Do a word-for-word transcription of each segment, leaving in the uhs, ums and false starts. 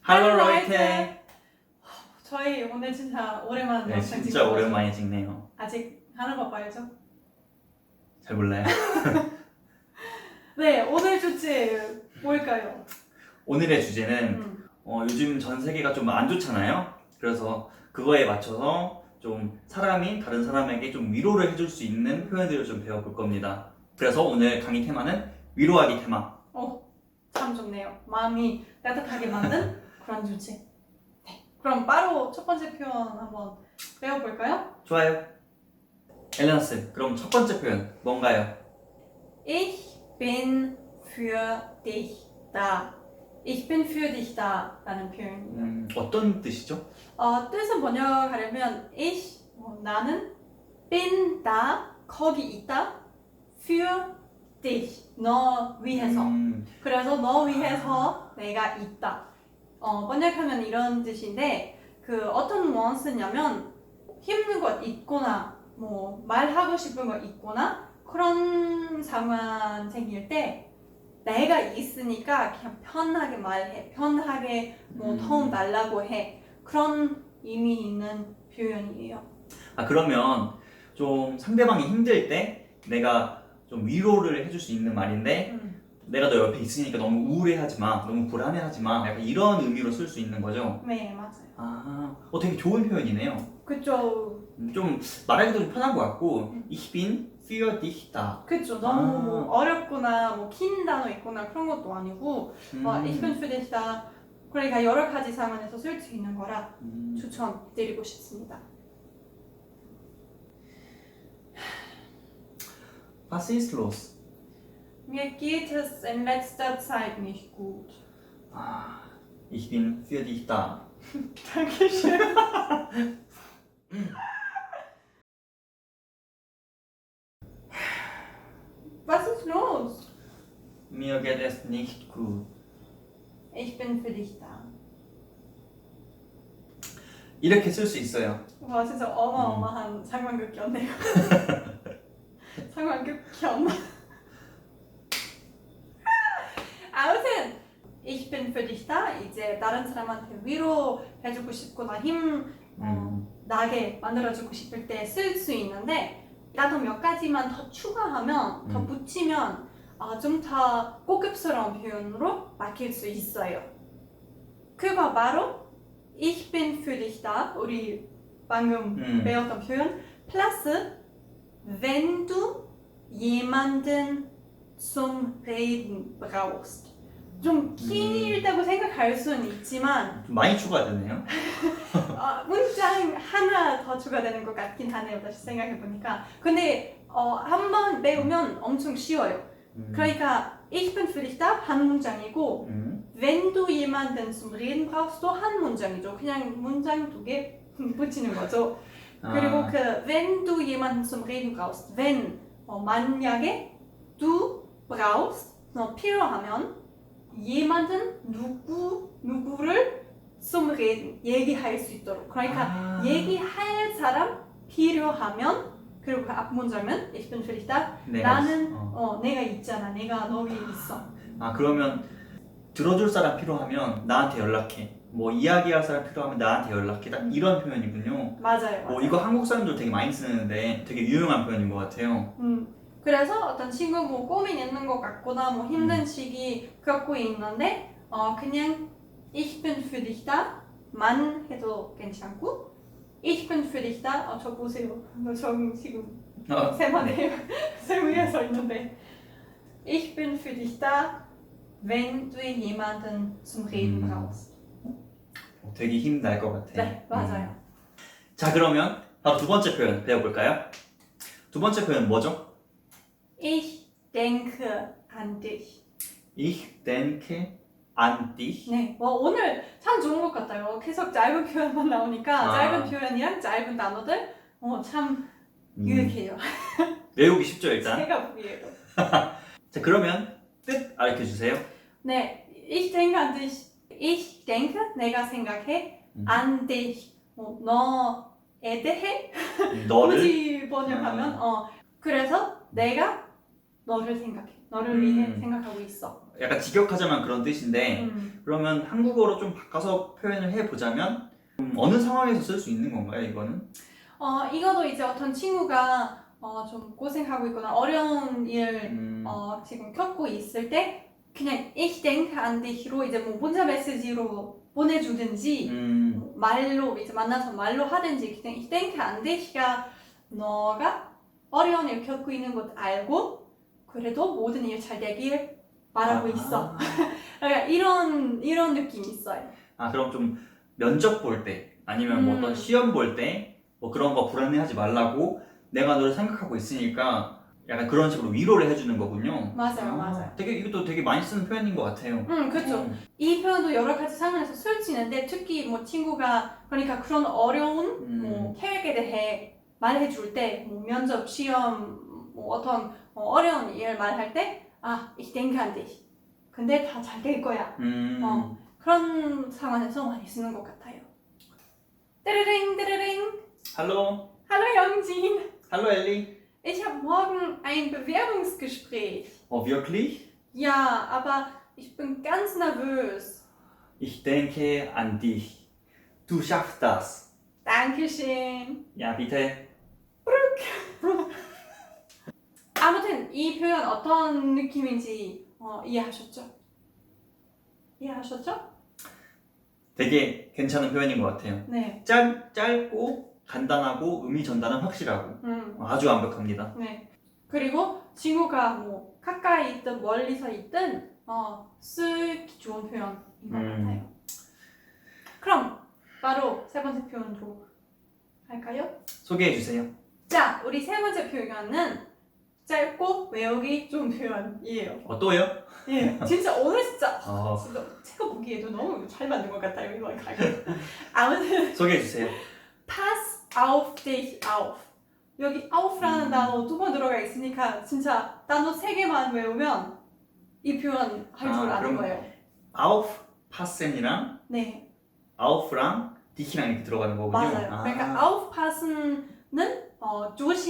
할로 라이트. 저희 오늘 진짜 오랜만에 네, 영상 진짜 찍어가지고 오랜만에 찍네요. 아직 하는 법 알죠? 잘 몰라요. 네, 오늘 주제 뭘까요? 오늘의 주제는 음. 어, 요즘 전 세계가 좀 안 좋잖아요. 그래서 그거에 맞춰서 좀 사람이 다른 사람에게 좀 위로를 해줄 수 있는 표현들을 좀 배워볼 겁니다. 그래서 오늘 강의 테마는 위로하기 테마. 어, 참 좋네요. 마음이 따뜻하게 만든 그런 주제. 네, 그럼 바로 첫 번째 표현 한번 배워볼까요? 좋아요. 엘레나 쌤, 그럼 첫 번째 표현 뭔가요? Ich bin für dich da. Ich bin für dich da 라는 표현입니다. 음, 어떤 뜻이죠? 어, 뜻은 번역하려면 ich, 어, 나는 bin da, 거기 있다 für dich, 너 위해서. 음, 그래서 너 위해서 내가 있다. 어, 번역하면 이런 뜻인데 그 어떤 원스냐면 힘든 것 있거나 뭐 말하고 싶은 거 있거나 그런 상황 생길 때 내가 있으니까 그냥 편하게 말해, 편하게 뭐 음. 도움 달라고 해. 그런 의미 있는 표현이에요. 아 그러면 좀 상대방이 힘들 때 내가 좀 위로를 해줄 수 있는 말인데 음. 내가 너 옆에 있으니까 너무 우울해하지 마, 너무 불안해하지 마, 약간 이런 의미로 쓸 수 있는 거죠. 네, 맞아요. 아, 어 되게 좋은 표현이네요. 그쵸. 음, 좀 말하기도 좀 편한 것 같고, 음. Ich bin für dich da. 그쵸. 너무 아. 뭐 어렵거나 뭐 긴 단어 있거나 그런 것도 아니고 음, 어, Ich bin für dich da. 그러니까 여러 가지 상황에서 쓸 수 있는 거라 음, 추천드리고 싶습니다. Was ist los? Mir geht es in letzter Zeit nicht gut. 아, Ich bin für dich da. Dankeschön. Was ist los? Mir geht es nicht gut. Ich bin für dich da. 이렇게 쓸 수 있어요. 와 진짜 어마어마한 상황극이었네요. 상황극 현. 아무튼 Ich bin für dich da. 이제 다른 사람한테 위로해주고 싶거나 힘 어, 음, 나게 만들어주고 싶을 때 쓸 수 있는데 나도 몇 가지만 더 추가하면 더 음. 붙이면 어, 좀 더 고급스러운 표현으로 바뀔 수 있어요. 그거 바로 Ich bin für dich da. 우리 방금 음. 배웠던 표현 플러스 wenn du jemanden zum Reden brauchst. 좀 길다고 생각할 수는 있지만 좀 많이 추가되네요. 어, 문장 하나 더 추가되는 것 같긴 하네요. 다시 생각해보니까. 근데 어, 한 번 배우면 엄청 쉬워요. 음, 그러니까 Ich bin für dich da 한 문장이고 음, Wenn du jemanden zum Reden brauchst 또 한 문장이죠. 그냥 문장 두 개 붙이는 거죠. 그리고 아, 그 wenn du jemanden zum Reden brauchst, wenn 어, 만약에 du brauchst 어, 필요하면 jemanden 누구 누구를 zum Reden 얘기할 수 있도록. 그러니까 아. 얘기할 사람 필요하면 그리고 그 앞 문장은 Ich bin für dich da. 내가 나는 있- 어. 어, 내가 있잖아. 내가 너 위에 있어. 아 그러면 들어줄 사람 필요하면 나한테 연락해. 뭐 이야기할 사람 필요하면 나한테 연락해. 딱 이런 표현이군요. 맞아요. 뭐 맞아요. 이거 한국 사람들 되게 많이 쓰는데 되게 유용한 표현인 것 같아요. 음, 그래서 어떤 친구 뭐 고민 있는 것 같거나 뭐 힘든 음. 시기 겪고 있는데 어 그냥 Ich bin für dich da만 해도 괜찮고 Ich bin für dich da. 어, 저 보세요. 저 지금 어, 세만해요. 세 위에 서 있는데 Ich bin für dich da, wenn du jemanden zum Reden 음. brauchst. 어, 되게 힘 날 것 같아. 네, 맞아요. 음. 자 그러면 바로 두 번째 표현 배워볼까요? 두 번째 표현 뭐죠? Ich denke an dich. Ich denke an dich. 네, 와, 오늘 참 좋은 것 같아요. 계속 짧은 표현만 나오니까 아. 짧은 표현이랑 짧은 단어들 어, 참 음, 유익해요. 외우기 쉽죠 일단. 제가 보기에도. 자 그러면 뜻 알려주세요. 네, ich denke an dich. Ich denke, 내가 생각해. 음. an dich, 뭐, 너에 대해. 너를 굳이 번역하면 어, 그래서 내가 너를 생각해. 너를 위해 음. 생각하고 있어. 약간 직역하자면 그런 뜻인데 음. 그러면 한국어로 좀 바꿔서 표현을 해보자면 음, 어느 상황에서 쓸 수 있는 건가요, 이거는? 어, 이거도 이제 어떤 친구가 어, 좀 고생하고 있거나 어려운 일 음, 어, 지금 겪고 있을 때 그냥 ich denke an dich로 이제 뭐 문자 메시지로 보내주든지 음, 뭐 말로 이제 만나서 말로 하든지 그냥 ich denke an dich가 너가 어려운 일 겪고 있는 것 알고 그래도 모든 일 잘 되길 바라고 아, 있어. 그러니까 이런 이런 느낌이 있어요. 아, 그럼 좀 면접 볼 때 아니면 뭐 음. 어떤 시험 볼 때 뭐 그런 거 불안해하지 말라고 내가 너를 생각하고 있으니까 약간 그런 식으로 위로를 해주는 거군요. 맞아요, 아, 맞아요. 되게 이것도 되게 많이 쓰는 표현인 것 같아요. 음, 그렇죠. 음, 이 표현도 여러 가지 상황에서 쓰이는데 특히 뭐 친구가 그러니까 그런 어려운 음. 뭐 계획에 대해 말해줄 때, 뭐 면접, 시험, 뭐 어떤 어, 어려운 일 말할 때, 아, ich denke an dich. 근데 다 잘 될 거야. 음, 어, 그런 상황에서 많이 쓰는 것 같아요. 띠르링 띠르링. Hallo, Hallo Yongjin. hallo Ellie. Ich habe morgen ein Bewerbungsgespräch. Oh, wirklich? Ja, aber ich bin ganz nervös. Ich denke an dich. Du schaffst das. Dankeschön. Ja, bitte. 아무튼 이 표현 어떤 느낌인지 어, 이해하셨죠? 이해하셨죠? 되게 괜찮은 표현인 것 같아요. 네. 짧, 짧고 간단하고 의미 전달은 확실하고 음, 아주 완벽합니다. 네. 그리고 친구가 뭐 가까이 있든 멀리서 있든 어, 쓰기 좋은 표현인 것 음. 같아요. 그럼 바로 세 번째 표현으로 할까요? 소개해 주세요. 자, 우리 세 번째 표현은 짧고 외우기 좋은 표현이에요. 어, 또요? 예, 진짜 오늘 진짜 어, 진짜 제가 보기에도 너무 잘 만든 것 같아요 이거 가게. 아무튼 소개해 주세요. pass auf dich auf. 여기 auf라는 음. 단어 두 번 들어가 있으니까 진짜 단어 세 개만 외우면 이 표현 할 줄 아, 아는 그럼- 거예요. auf, passen이랑 네, auf랑 dich랑 이렇게 들어가는 거군요. 맞아요. 아. 그러니까 aufpassen는 어,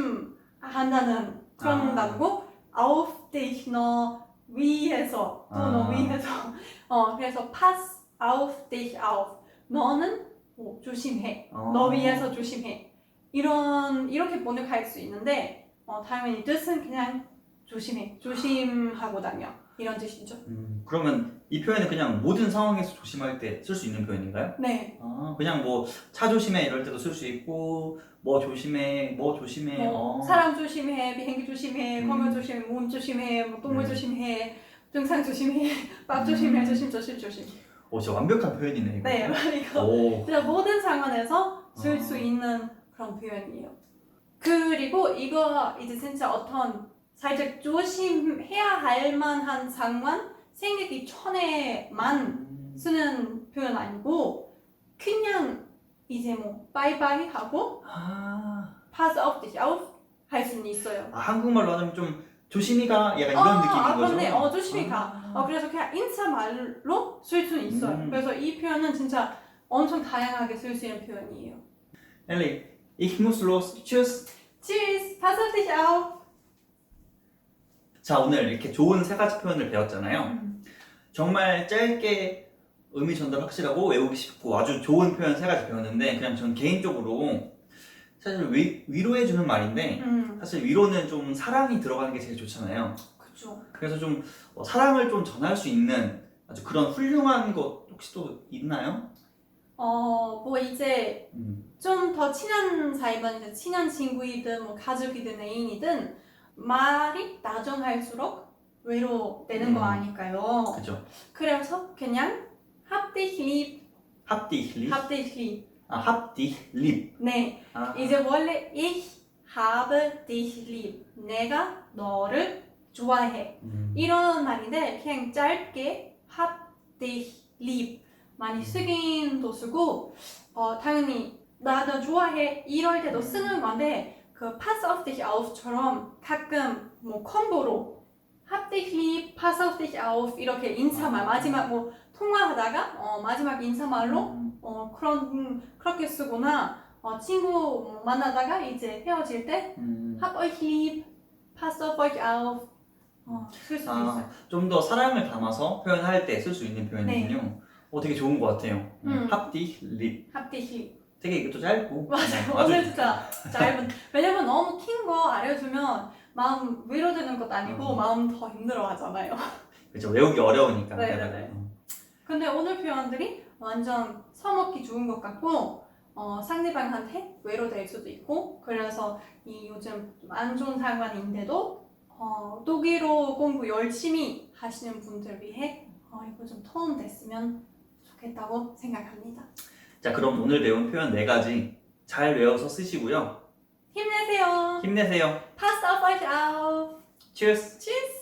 조심한다는 그런 아. 단어고 auf dich 너 위에서 또 너 아. 위에서 어 그래서 pass auf dich auf 너는 뭐 조심해 어. 너 위에서 조심해 이런 이렇게 번역할 수 있는데 어, 당연히 뜻은 그냥 조심해 조심하고 다녀 이런 뜻이죠. 음, 그러면 이 표현은 그냥 모든 상황에서 조심할 때 쓸 수 있는 표현인가요? 네, 아, 그냥 뭐 차 조심해 이럴 때도 쓸 수 있고 뭐 조심해 뭐 조심해 뭐 어. 사람 조심해 비행기 조심해 음. 건강 조심해 몸 조심해 뭐 동물 음. 조심해 등산 조심해 밥 조심해 음. 조심 조심 조심. 오, 진짜 완벽한 표현이네 이거. 네, 이거 오. 진짜 모든 상황에서 쓸 수 아. 있는 그런 표현이에요. 그리고 이거 이제 진짜 어떤 살짝 조심해야 할 만한 상황 생기기 전에만 음. 쓰는 표현 아니고 그냥 이제 뭐 바이바이 하고 아. pass auf dich auf 할 수는 있어요. 아, 한국말로 하자면 좀 조심히 가 약간 이런 아, 느낌인 아, 거죠? 그렇네. 어, 조심히 가. 아. 어, 그래서 그냥 인사말로 쓸 수는 있어요. 음. 그래서 이 표현은 진짜 엄청 다양하게 쓸 수 있는 표현이에요. 엘리, ich muss los. Tschüss. Tschüss, pass auf dich auf. 자, 오늘 이렇게 좋은 세 가지 표현을 배웠잖아요. 음. 정말 짧게 의미 전달 확실하고 외우기 쉽고 아주 좋은 표현 세 가지 배웠는데 그냥 전 개인적으로 사실 위, 위로해주는 말인데 음, 사실 위로는 좀 사랑이 들어가는 게 제일 좋잖아요. 그쵸. 그래서 좀 어, 사랑을 좀 전할 수 있는 아주 그런 훌륭한 것 혹시 또 있나요? 어, 뭐 이제 음. 좀 더 친한 사이면 이제 친한 친구이든 뭐 가족이든 애인이든 말이 나중할수록 외로되는 거 음. 아닐까요? 그죠. 그래서 그냥 hab dich lieb, Hab dich lieb. hab dich lieb. 아, hab dich lieb. 네, 아, 이제 원래 ich habe dich lieb. 내가 너를 좋아해. 음. 이런 말인데 그냥 짧게 hab dich lieb 많이 쓰긴도 쓰고 어, 당연히 나 너 좋아해 이럴 때도 쓰는 건데 그 pass auf dich auf처럼 가끔 뭐 콤보로 hab dich lieb, pass auf dich auf 이렇게 인사말 마지막 뭐 통화하다가 어, 마지막 인사말로 음. 어, 그런 그렇게 쓰거나 어, 친구 뭐 만나다가 이제 헤어질 때 음. hab euch lieb, passt auf euch auf 어, 쓸 수도 아, 있어요. 좀 더 사랑을 담아서 표현할 때 쓸 수 있는 표현이군요. 어, 되게 좋은 것 같아요. 음. 합디, 립. 합디히. 되게 이것도 짧고. 맞아요. 어, 아주 오늘 진짜 짧은. 왜냐면 너무 긴 거 알려주면 마음 위로되는 것도 아니고 음. 마음 더 힘들어하잖아요. 그렇죠. 외우기 어려우니까. 네, 네, 네. 어. 근데 오늘 표현들이 완전 써먹기 좋은 것 같고 어, 상대방한테 외로될 수도 있고 그래서 이 요즘 좀 안 좋은 상황인데도 어, 독일어 공부 열심히 하시는 분들 위해 어, 이거 좀 도움 됐으면 좋겠다고 생각합니다. 자, 그럼 오늘 배운 표현 네 가지 잘 외워서 쓰시고요. 힘내세요. 힘내세요. Passt auf euch auf. Cheers! Tschüss.